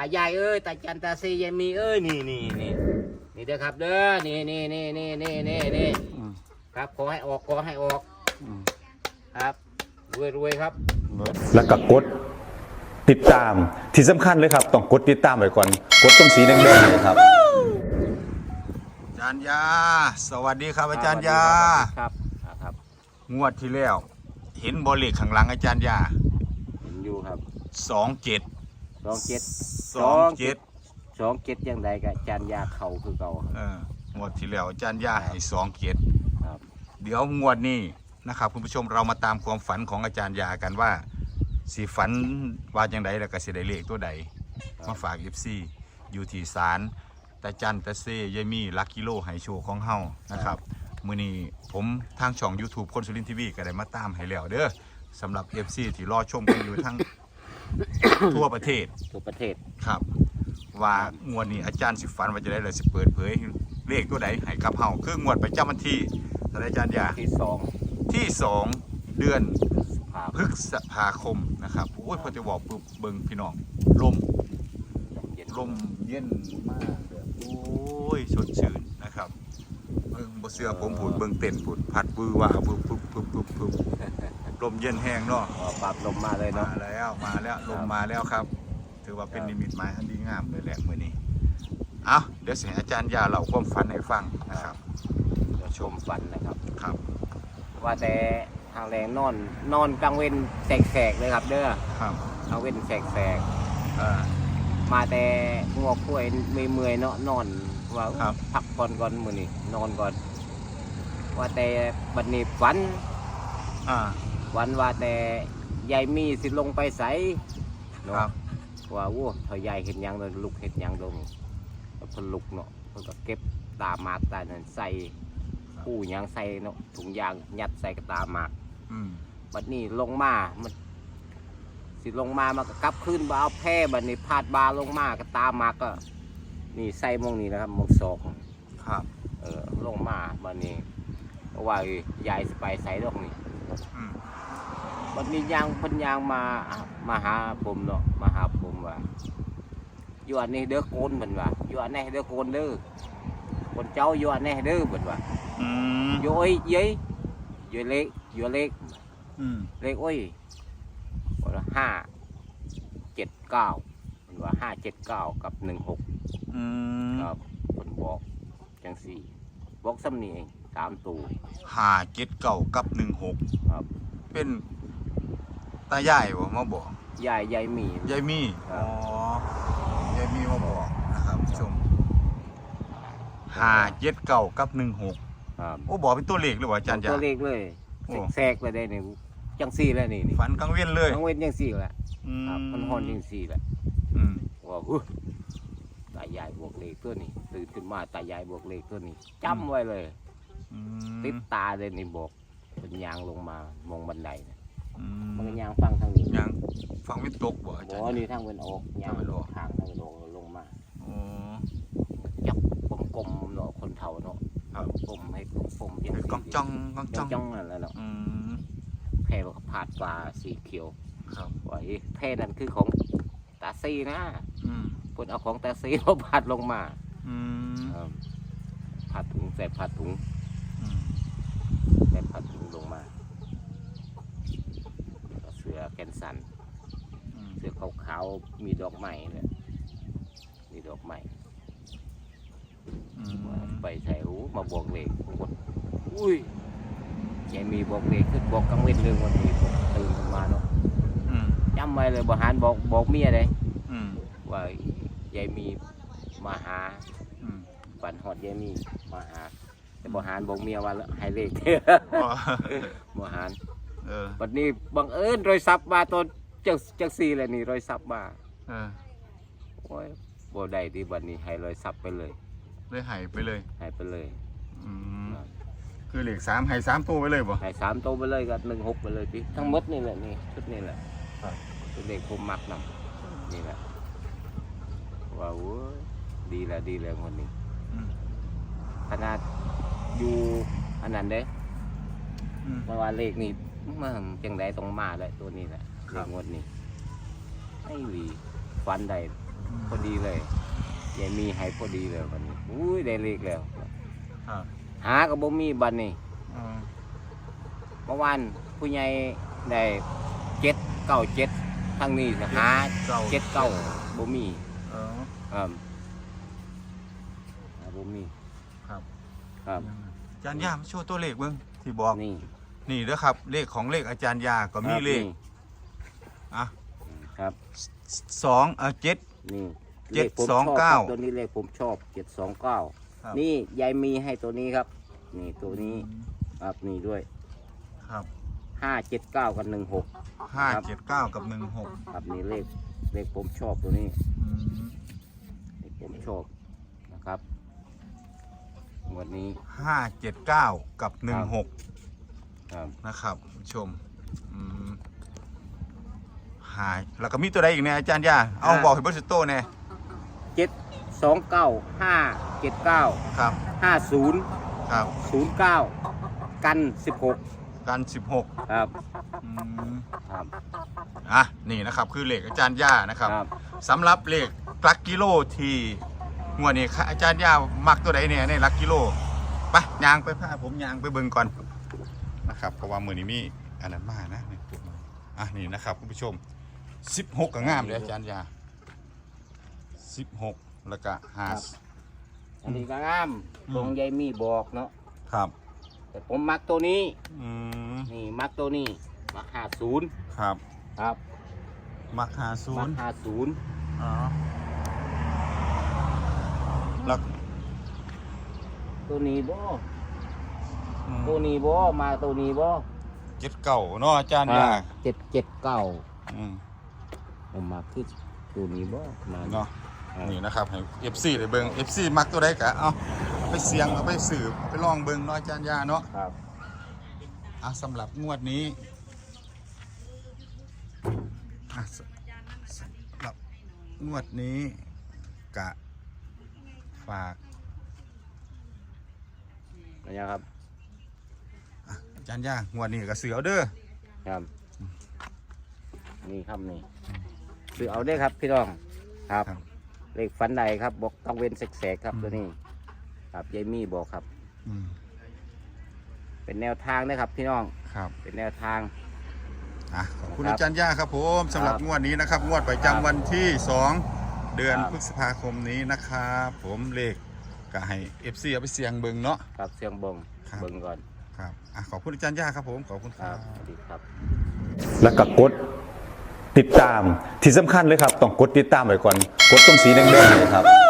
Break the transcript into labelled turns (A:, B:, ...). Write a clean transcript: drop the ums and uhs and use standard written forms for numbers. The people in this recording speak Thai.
A: ายายเอ้ยตาจันตาซียายมีเอ้ยนี่เด้อครับเด้อนี่ครับขอให้ออกครับรวยครับ
B: แล้วก็กดติดตามที่สำคัญเลยครับต้องกดติดตามไว้ก่อนกดตรงสีแดงๆเลยครับอาจารย์ยาสวัสดีครับอาจารย์ยา
A: ครับ
B: งวดที่แล้วเห็นบอลเลขข้างหลังอาจารย์ยา
A: เห็นอยู่ครับ
B: 27
A: ยังไงกับอาจารย์ยาเขาคือเก่าง
B: วดที่แล้วอาจารย์ยาให้27ครับเดี๋ยวงวดนี้นะครับคุณผู้ชมเรามาตามความฝันของอาจารย์ยากันว่าสีฝันว่าอย่างไรแล้วก็สิได้เลขตัวใดมาฝาก FC อยู่ที่ศาลตาจันตาเซยายมีลักกิโลไฮโชของเฮานะครับมื้อนี้ผมทางช่อง YouTube คนสุรินทร์ทีวีก็ได้มาตามให้แล้วเด้อสำหรับ FC ที่รอชมกันอยู่ทั้ง ทั่วประเทศครับว่างวดนี้อาจารย์สิฝันว่าจะได้เลยสิเปิดเผยเลขตัวใดให้กับเฮาคืองวดประจำวันที่อาจารย์ยาที่ 2 เดือนพฤษภาคมนะครับโอ้ยพอจะบอกปุ๊บเบิ่งพี่น้องลมเย็นมากแบบโอ้ยสดชื่นนะครับเบิ่งบ่เสื้อผมผุดเบิ่งเต้นผุดพัดวือว่าปุ๊บลมเย็นแห้งเนาะ
A: ปรับลมมาเลยเนาะ
B: มาแล้วลมมาแล้วครับถือว่าเป็นนิมิตหมายอันดีงามเลยแหละมื้อนี้เอาเดี๋ยวสิให้อาจารย์ยาเล่าความฝันให้ฟังนะครับ
A: ชมฝันนะครับ
B: ครับ
A: ว่าแต่ทางแรงนอนกลางเว้นแสกเลยครับเด้อ
B: ครับ
A: กลางเว้นแสกมาแต่งัวคุ้ยไม่เมื่อยเนาะนอนว่าพักผ่อนก่อนมื้อนี้นอนก่อนว่าแต่บัดนี้ฝันว่าแต่ยายมีสิลงไปใสเนาะว่าโอ้เท่ายายเห็นยังเลยลุกเห็นยังลงเพิ่นลุกเนาะเพิ่นก็เก็บตาหมากตานั่นใส่ผู้ยังใส่เนาะถุงยางยัดใส่กระตาหมากบัดนี้ลงมามันสิลงมามันก็กลับขึ้นมาเอาแพร่บัดนี้พาดบาลงมากระตาหมากก็นี่ใส่มองนี่นะครับมองศอก
B: ครับ
A: ลงมาบัดนี้เพราะว่ายายสิไปใส่ดอกนี่บัดนี้ยางเพิ่นยางมาหาผมเนาะมาหาผมว่าอยู่อันนี้เด้อโกนเพิ่นว่าอยู่อันนี้เด้อโกนเด้อคนเจ้าอยู่อันนี้เด้อเพิ่นว่าอยู่อ้อยยี่อยู่เล็กเล็กอ้อยว่า579มันว่า579กับ16ครับคนบอกจังสี่บอกซ้ำนี่เอง3ตัว
B: 579กับ16
A: ครับ
B: เป็นตายายบ่มาบอก
A: ยายมี
B: ยายมียายมีมาบอกนะครับผู้ชม579กับ16โอ้บอกเป็นตัวเลขเลยว่ะอาจารย์
A: ตัวเลขเลยแทรกเลยได้นี่จังซี่แล้วนี่
B: ฝันกลางเว้นเลย
A: กลางเว้นจังซี่แหละมันฮ้อนจังซี่แหละว่าตายายบวกเลขตัวนี้ตื่นขึ้นมาตายายบวกเลขตัวนี้จำไว้เลยติดตาเลยนี่บอกเป็นยางลงมามองบันไดมันยางฟังทางนี้
B: ยางฟังไม่ตกบ่อาจารย์
A: นี่ทางเป็นออกยางทางลงมาจับกลมๆเนาะคนเฒ่าเนาะกลมให้กลม
B: เป็นกองจ้อง
A: นั่นแหละเนาะแพร่ผาดปลาสีเขียวว่าแพร่นั่นคือของตาซีนะพวกเอาของตาซีมาผาดลงมาผาดถุงใส่ผาดถุงลงมาเสือแกนสันเสือขาวๆมีดอกไม้เนี่ยมีดอกไม้ไปใส่หูมาบอกเลขอุ้ยยายมีบอกเลขขึ้นบอกกังเวทเรื่องวันนี้ตื่นขึ้นมาเนาะจำไว้เลยบหารบอกเมียเลยว่ายายมีมาหาฝันหอดยายมีมาหาแต่บหารบอกเมียว่าให้เลขบหารวันนี้บังเอิญรอยซับมาตอนจังซีเลยนี่รอยซับมาโอ้ยบ่ได้ที่วันนี้ให้รอยซับไปเลย
B: หายไปเลยคือเหล็ก3ให้3ตัวไปเลยบ่
A: ให้3ตัวไปเลยกับ16ไปเลยพี่ทั้งหมดนี่แหละนี่ชุดนี่แหละเป็นเด็กผมมักนำนี่แหละว้าวดีแล้วคนนี้ขนาดอยู่อันนั้นเด้เพราะว่าเลขนี่มันจังไดต้องมาเลยตัวนี้แหละเลขงวดนี้ไอ้หวีฟันได้พอดีเลยยายมีให้พอดีเลยวันนี้อุ้ยได้เลขแล้ว
B: ครับ
A: หาก็บ่มีบัดนี้
B: อืม
A: เมื่อวานผู้ใหญ่ได้797ทางนี้ก็หา79บ่มี
B: เออ
A: ครับหาบ่มี
B: ครับ
A: ครับ
B: อาจารย์ยามาโชว์ตัวเลขเบิ่งที่บอก
A: นี่
B: นี่เด้อครับเลขของเลขอาจารย์ยาก็มีเลข
A: นี่
B: อ่ะ
A: ครับ
B: 7
A: นี่
B: เจ็ด
A: ลขผม
B: สอง
A: ชบ
B: เก้า
A: ครับตัวนี้เลขผมชอบ729
B: ครับ
A: นี่ยายมีให้ตัวนี้ครับ นี่ตัวนี้ครับนี่ด้วย
B: ครับ
A: 579กับ16
B: 579กับ16
A: ครับนี่เลขผมชอบตัวนี้
B: อืม
A: เลขผมชอบนะครับวันนี้
B: 579กับ16
A: ครับ
B: นะครับผู้ชมอืมหายแล้วก็มีตัวใดอีกเนี่ยอาจารย์ยาเอาบอกให้เบอร์สโต้เนี่ย
A: 729 579
B: ครับ
A: 50
B: ครับ
A: 09 กัน 16
B: กัน16
A: ครับ
B: อืม
A: ครับ
B: อ่ะนี่นะครับคือเลขอาจารย์ย่านะครับ
A: ครับ
B: สำหรับเลขหลักกิโลที่งวดนี้ค่ะอาจารย์ย่ามักตัวใดเนี่ยในหลักกิโลไปยางไปพาผมยางไปเบิ่งก่อนนะครับเพราะว่ามือนี้มีอันนั้นมากนะนี่จุดมาอ่ะนี่นะครับคุณผู้ชม16ก็งามเลยอาจารย์ย่า16แล้วก็5
A: อันนี้ก็งาม
B: อืม
A: ตรงยายมีบอกเนาะ
B: ครับ
A: แต่ผมมักตัวนี้
B: อืม
A: นี่มักตัวนี้มัก50
B: ครับ
A: ครับ
B: มัก
A: มัก
B: 50
A: 50
B: อ๋อแล้ว
A: ตัวนี้บ่
B: อืม
A: ตัวนี้บ่มาตัวนี้บ่
B: 7เก่าเนาะอาจารย์ย่า
A: 779
B: อืม
A: ผมมาคือตัวนี้บ่มา
B: เนาะ
A: ครับ
B: นี่นะครับให้ FC ได้เบิ่ง FC มักตัวใดกะเอาไปเสียงเอาไปสืบไปลองเบิ่งเนาะอาจารย์ยาเนาะ
A: ครับ
B: อ่ะสำหรับงวดนี้อ่ะสำหรับงวดนี้กะฝาก
A: นะครับ
B: อ่ะอาจารย์ยางวดนี้ก็เสือเอาเด้อ
A: ครับนี่ครับนี่คือเอาได้ครับพี่น้องครับ
B: ครับ
A: เลขฝันใดครับบอกต้องเว้นแสกๆครับตัวนี้ครับยายมี่บอกครับ
B: อืม
A: เป็นแนวทางนะครับพี่น้อง
B: ครับ
A: เป็นแนวทาง
B: อ่ะขอบคุณ
A: ครับ
B: อาจารย์ยาครับผมสำหรับ
A: ครับ
B: งวดนี้นะครับงวดประจำวันที่ 2 เดือน
A: ครับ
B: พฤษภาคมนี้นะครับผมเลขก็ให้ FC เอาไปเสียงเบิ่งเนาะ
A: ครับเสียงบง
B: ครับ
A: เบิ่งก่อน
B: ครับอ่ะขอบคุณอาจารย์ย่าครับผม ขอบคุณ
A: ค
B: ค
A: รั
B: รั
A: บบ สวัสดีครับ
C: แล้วก็กดติดตามที่สำคัญเลยครับ ต้องกดติดตามไว้ก่อน กดตรงสีแดงๆเลยครับ